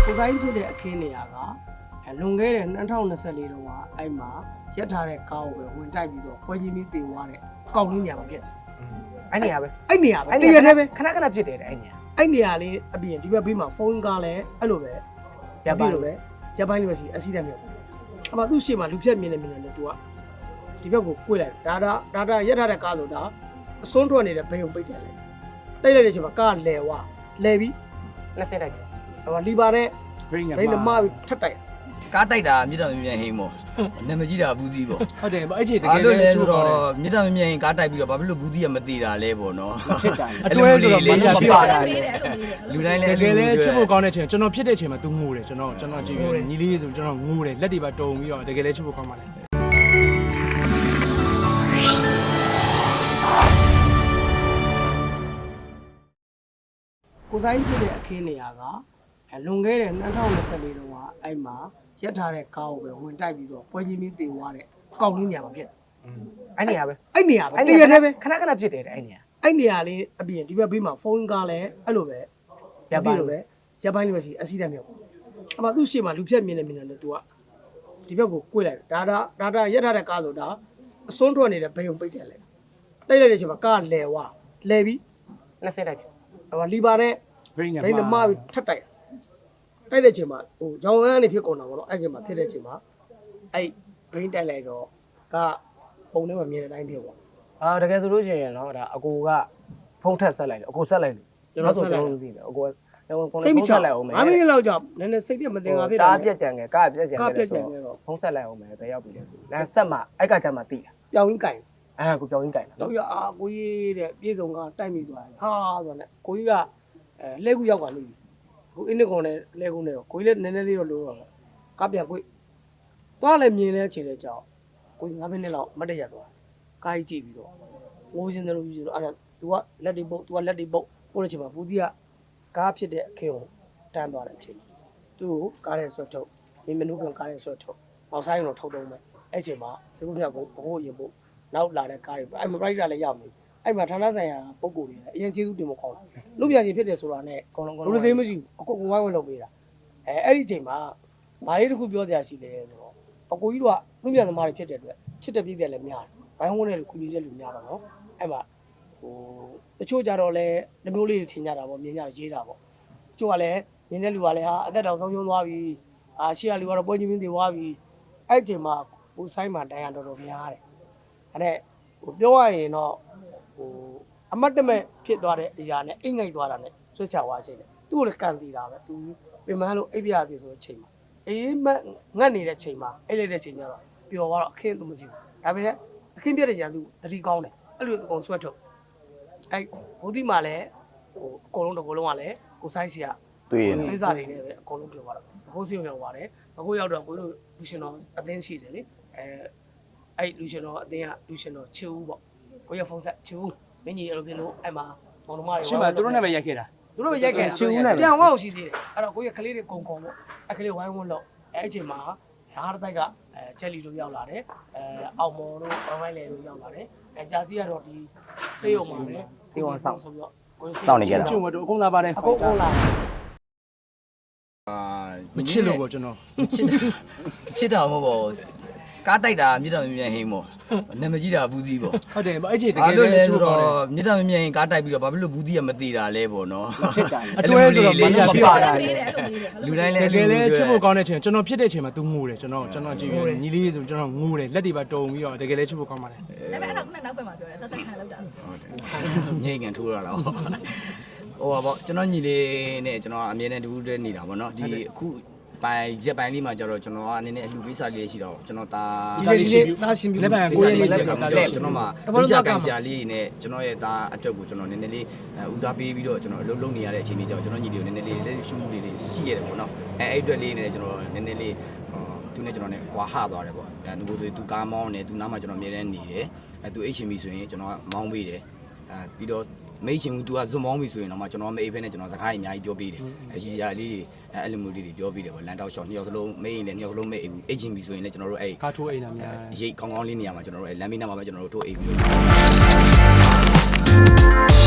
ကိုဆိုင်ဖြစ်တဲ့အခင်းနေရာကလွန်ခဲ့တဲ့2024တုန်းကအဲ့မှာရက်ထားတဲ့ကားကိုပဲဝင်တိုက်ပြီးတော့ပွဲချင်းပြီးတင်သွားတဲ့ကောက်လေးနေရာမှာဖြစ်တယ်အဲ့နေရာပဲအဲ့နေရာပဲတရနဲ့ပဲခဏဖြစ်တယ်အဲ့နေရာအဲ့နေရာလေးအပြင်ဒီဘက်ဘေးမှာဖုန်းကားလည်းအဲ့လိုပဲရပ်ပိုင်းလိုပဲရပ်ပိုင်းလိုပဲရှိအစီတက်မြောက်အမသူ့ရှေ့မှာလူဖြတ်မြင်နေတယ်သူကဒီဘက်ကိုကိုယ်လိုက်ဒါရက်ထားတဲ့ကားဆိုဒါအစွန်းထွက်နေတဲ့ဘယ်ုံပိတ်တယ်လေတိတ်လိုက်တဲ့အချိန်မှာကားလဲဝါလဲပြီးလက်ဆက်တိုက်တယ်ဟိုလီပါတဲ့ဘိန်းနမထက်တိုက်ကားတိုက်တာမြေတောင်မြန်ဟိန်းပေါ့နာမကြီးတာဘူးသီးပေါ့ဟုတ်တယ်အဲ့ချိန်တကယ်လည်းချိုးတော့မြေတောင်မြန်ဟိန်းကားတိုက်ပြီးတော့ဘာဖြစ်လို့ဘူးသီးကမသေးတာလဲပေါ့နော်ဖြစ်တာအတွဲဆိုတော့မရပြတာလူတိုင်းလည်းတကယ်လည်းချစ်ဖို့ကောင်းတဲ့ချိန်ကျွန်တော်ဖြစ်တဲ့ချိန်မှာ तू ငိုတယ်ကျွန်တော်ကြည့်ရတယ်ညီလေးဆိုကျွန်တော်ငိုတယ်လက်တွေပါတုံပြီးတော့တကယ်လည်းချစ်ဖို့ကောင်းပါလေကိုဆိုင်ဖြစ်တဲ့အခင်းနေရာကလွန်ခဲ့တဲ့2024တုန်းကအဲ့မှာရက်ထားတဲ့ကားကိုပဲဝင်တိုက်ပြီးတော့ပွဲချင်းပြီးတင်သွားတဲ့ကောက်လေးနေရာမှာဖြစ်တယ်အဲ့နေရာပဲအဲ့နေရာပဲတရနဲ့ပဲခဏဖြစ်တယ်အဲ့နေရာအဲ့နေရာလေးအပြင်ဒီဘက်ဘေးမှာဖုန်းကားလည်းအဲ့လိုပဲရပ်ပိုင်းလိုပဲရပ်ပိုင်းလိုပဲရှိအစီတက်မြောက်အမသူ့ရှေ့မှာလူဖြတ်မြင်နေတယ်သူကဒီဘက်ကိုကိုယ်လိုက်ဒါရက်ထားတဲ့ကားဆိုဒါအစွန်းထွက်နေတဲ့ဘယ်ုံပိတ်တယ်လေတိတ်လိုက်တဲ့အချိန်မှာကားလဲဝါလဲပြီးလက်ဆက်တိုက်တယ်ဟိုလီပါတဲ့ဘိန်းနမထက်တိုက်တိုက်တဲ့အချိန်မှာဟိုရောင်ရမ်းနေဖြစ်ကုန်တာပေါ့နော်အဲ့ချိန်မှာဖြစ်တဲ့အချိန်မှာအဲ့ဘိန်းတိုက်လိုက်တော့ကပုံထဲမှာမြင်တဲ့အတိုင်းဖြစ်ပေါ့တကယ်ဆိုလို့ရှိရင်နော်ဒါအကိုကဖုံးထက်ဆက်လိုက်တယ်အကိုဆက်လိုက်လို့ကျွန်တော်သိတယ်အကိုကစိတ်မချလိုက်အောင်မယ်5မိနစ်လောက်ကြာနည်းနည်းစိတ်ပြမတင်ငါဖြစ်တာဒါပြက်ကြံငယ်ကားပြက်ကြံငယ်ဆိုဖုံးဆက်လိုက်အောင်မယ်ဘယ်ရောက်ပြီလဲဆိုလမ်းဆက်မှာအဲ့ကကြမှာတိတာပြောင်းရင်းကင်ကိုပြောင်းရင်းကင်တော့ရကိုကြီးတဲ့ပြေဆုံးကတိုက်မိသွားတယ်ဟာဆိုတော့ကိုကြီးကလဲကူရောက်ပါလိမ့်မယ်ကိုအင်းနစ်ကုံနဲ့လဲကူနဲ့တော့ကိုကြီးလည်းနည်းနည်းလေးတော့လိုတော့ကပြန်ကိုသွားလည်းမြင်လဲခြေလဲကြောက်ကိုကြီး9မိနစ်လောက်မတ်တရသွားကားကြီးကြည့်ပြီးတော့ဝိုးစင်းတယ်လို့ယူဆိုတော့အဲ့ဒါ तू ကလက်တွေပုတ် तू ကလက်တွေပုတ်ပို့တဲ့ချိန်မှာဘူးတီးကကားဖြစ်တဲ့အခင်းကိုတန်းသွားတဲ့အချိန်မှာသူ့ကိုကားရဲ့ဆွဲထုတ်မင်းမနုကကားရဲ့ဆွဲထုတ်အောင်ဆိုင်တော့ထုတ်တော့မယ်အဲ့ချိန်မှာဒီကုန်းကဘိုးရင်ပို့နောက်လာတဲ့ကားတွေအဲ့မှာပရိုက်တာလည်းရောက်နေအဲ့မှာဌာနဆိုင်ရာပုံကိုယ်တွေအရင်ကျေးဇူးတင်မကောင်းလူပြန်ချင်းဖြစ်တယ်ဆိုတာနဲ့အကုန်လုံးလူသေးမရှိဘူးအကိုဝိုင်းဝန်းလုပ်ပေးတာအဲ့ဒီချိန်မှာဘာလေးတစ်ခုပြောစရာရှိလဲဆိုတော့အကိုကြီးတို့ကလူပြန်သမားတွေဖြစ်တဲ့အတွက်ချစ်တဲ့ပြည့်တယ်လည်းများတယ်ဝိုင်းဝန်းတဲ့လူကူညီတဲ့လူများတော့နော်အဲ့မှာဟိုတချို့ကြတော့လည်းနှမျိုးလေးထင်ကြတာပေါ့မြင်ကြရေးတာပေါ့တချို့ကလည်းမြင်တဲ့လူကလည်းဟာအသက်တော်ဆုံးရှုံးသွားပြီရှေ့ကလူကတော့ပွဲချင်းပြင်းသွားပြီအဲ့ချိန်မှာဟိုဆိုင်မှာတိုင်ရတော်တော်များတယ်အဲ့ဟိုပြောရရင်တော့ဟိုအမတ်တမဲ့ဖြစ်သွားတဲ့အရာနဲ့အိတ်ငိုက်သွားတာနဲ့ဆွတ်ချသွားချိန်နဲ့သူ့ကိုလည်းကန်တီတာပဲသူပြင်မလို့အိပ်ပြရစီဆိုတဲ့ချိန်မှာအေးမငတ်နေတဲ့ချိန်မှာအိတ်လိုက်တဲ့ချိန်ကျတော့ပျော်သွားတော့အခင်းသူမကြည့်ဘူးဒါပေမဲ့အခင်းပြတဲ့ကြံသူတတိကောင်းတယ်အဲ့လိုအကုန်ဆွတ်ထုတ်အဲ့ဘုဒ္ဓမှာလည်းဟိုအကုန်လုံးတစ်ကိုယ်လုံးကလည်းကိုဆိုင်စီကတွေ့ရကိစ္စတွေနဲ့ပဲအကုန်လုံးပြောသွားတာဘိုးစီရောက်ပါတယ်ဘိုးရောက်တော့ကိုတို့လူရှင်တော်အသင်းရှိတယ်လေအဲ့လူရှင်တော်အသင်းကလူရှင်တော်ချစ်ဦးပေါ့ကိုရဖုန်းဆက်ချစ်ဦးမင်းကြီးအဲ့လိုဖြစ်လို့အဲ့မှာမောင်နှမတွေရှင်းပါသူတို့နဲ့ပဲရိုက်ခဲ့တာသူတို့ပဲရိုက်ခဲ့တာချစ်ဦးနဲ့ပြန်ဝအောင်ရှိသေးတယ်အဲ့တော့ကိုရကလေးတွေကုံပေါ့အဲ့ကလေးဝိုင်းဝန်းလို့အဲ့အချိန်မှာဟားတိုက်ကချက်လီတို့ရောက်လာတယ်အောင်မော်တို့ဝိုင်းဝိုင်းလေတို့ရောက်လာတယ်ဂျာစီကတော့ဒီစေးရုံမှာပဲစေးရုံဆောင်ဆိုပြီးတော့စောင့်နေကြတာကျုံတို့အကုန်လာပါတယ်အကုန်လာမချစ်လို့ပေါ့ကျွန်တော်ချစ်တာမဟုတ်ပါဘူးကားတိုက်တာမြေတောင်မြန်ဟိန်းပေါ့နာမကြီးတာဘူးသီးပေါ့ဟုတ်တယ်အဲ့ချိန်တကယ်လည်းချိုးတော့မြေတောင်မြန်ဟိန်းကားတိုက်ပြီးတော့ဘာဖြစ်လို့ဘူးသီးကမသေးတာလဲပေါ့နော်ဖြစ်တာအတွဲဆိုတော့မရပြတာလူတိုင်းလည်းတကယ်လည်းချစ်ဖို့ကောင်းတဲ့ချိန်ကျွန်တော်ဖြစ်တဲ့ချိန်မှာ तू ငိုတယ်ကျွန်တော်ကြည့်ရတယ်ညီလေးဆိုကျွန်တော်ငိုတယ်လက်တွေပါတုံပြီးတော့တကယ်လည်းချစ်ဖို့ကောင်းပါလေဒါပေမဲ့အဲ့တော့ခုနနောက်ကမှပြောတယ်တသက်ခံလောက်တာဟုတ်တယ်ငိမ့်ကန်ထိုးရတာပေါ့ဟိုပါပေါ့ကျွန်တော်ညီလေးနဲ့ကျွန်တော်အမြဲတမ်းတူတူနေတာပေါ့နော်ဒီအခုရက်ပိုင်းလေးမှာကျတော့ကျွန်တော်ကနည်းနည်းအလှကိစ္စလေးရှိတော့ကျွန်တော်သားရှင်ပြီလက်ပံကိုရင်းလက်ပံကျွန်တော်မှဦးစားကန်ဆရာလေးနဲ့ကျွန်တော်ရဲ့သားအတွက်ကိုကျွန်တော်နည်းနည်းလေးဦးစားပေးပြီးတော့ကျွန်တော်အလုပ်လုပ်နေရတဲ့အချိန်လေးကြောင့်ကျွန်တော်ညီလေးကိုနည်းနည်းလေးလက်ရှုမှုလေးရှိရတယ်ပေါ့နော်အဲ့အတွက်လေးနဲ့ကျွန်တော်နည်းနည်းလေးသူနဲ့ကျွန်တော်နဲ့ကွာဟသွားတယ်ပေါ့သူကိုသူကားမောင်းနေသူနားမှာကျွန်တော်အမြဲတမ်းနေတယ်သူအိတ်ရှင်ပြီဆိုရင်ကျွန်တော်ကမောင်းပေးတယ်ပြီးတော့မိတ်ရှင်က तू ကဇွန်မောင်းပြီဆိုရင်တော့မှကျွန်တော်မအိပ်ဖဲနဲ့ကျွန်တော်စကားကြီးအများကြီးပြောပေးတယ်အရှိရာလေးအဲ့လိုမျိုးလေးတွေပြောပေးတယ်ပေါ့လန်တောက်ရှော့နှစ်ယောက်စလုံးမိတ်ရင်လည်းနှစ်ယောက်စလုံးမိတ်အိတ်ချင်းပြီဆိုရင်လည်းကျွန်တော်တို့အဲ့ကားထိုးအိမ်နာများရိတ်ကောင်းကောင်းလေးနေရာမှာကျွန်တော်တို့အဲ့လမ်းမနာမှာပဲကျွန်တော်တို့ထိုးအိတ်ပြီး